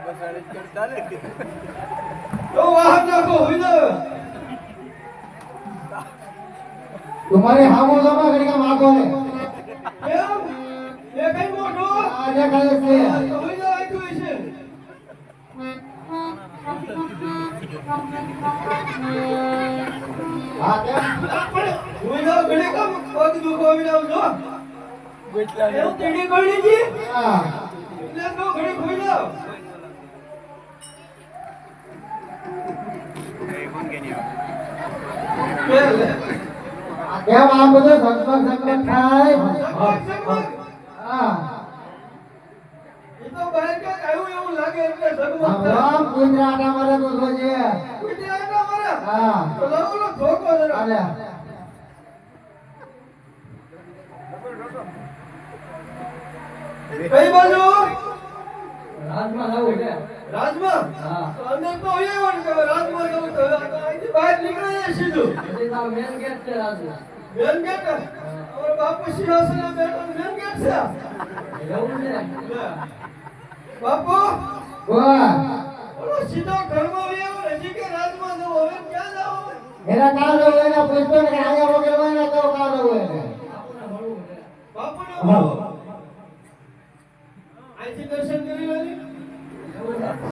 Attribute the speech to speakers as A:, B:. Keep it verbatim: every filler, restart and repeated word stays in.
A: तो वाहन नाखो हुई ना
B: तुम्हारे हामो जमा घड़ी का मागो है
A: કેમ એ કઈ મોટો
B: આજે કાલે છે
A: તો હુઈ જાય તું છે
B: હા કેમ
A: હુઈ જાવ ઘડી કામ પગ દુખો આવી જાવ જો ગોટલા એ તીડી ગળી જી
B: હા
A: એટલે તો ઘડી હુઈ જાવ એ કોણ કે નહીં
B: કેમ આ બધું સંસ્કાર સંકટ થાય હા
A: એ તો બહાર કે આવ્યું એવું લાગે એટલે જગમગ
B: રામ કુતરાટા મારે તો જોજે
A: કુટી આટા મારે
B: હા
A: તો લાવો લો ધોકો જરા
B: અલે
A: કઈ બાજુ
B: રાજમાં જાવું છે
A: રાજમાં
B: હા
A: તો અંદર તો હોય વણ કે રાજમાં જવું તો અહીંથી બહાર નીકળે જાય સીધું
B: એટલે તો મેન ગેટ છે રાજમાં
A: મેન ગેટ અમારો બાપુ સિંહાસન બેઠો મેન ગેટ છે
B: એવું છે
A: બાપુ
B: બોલ
A: ઓલો સીધો ઘરમાં હોય એવો હજી કે રાજમાં જવું હવે ક્યાં જાવ
B: એના કાલો હોય ને પૂછતો ને આયા વગર હોય ને તો કાલો હોય ને
A: બાપુને મળવું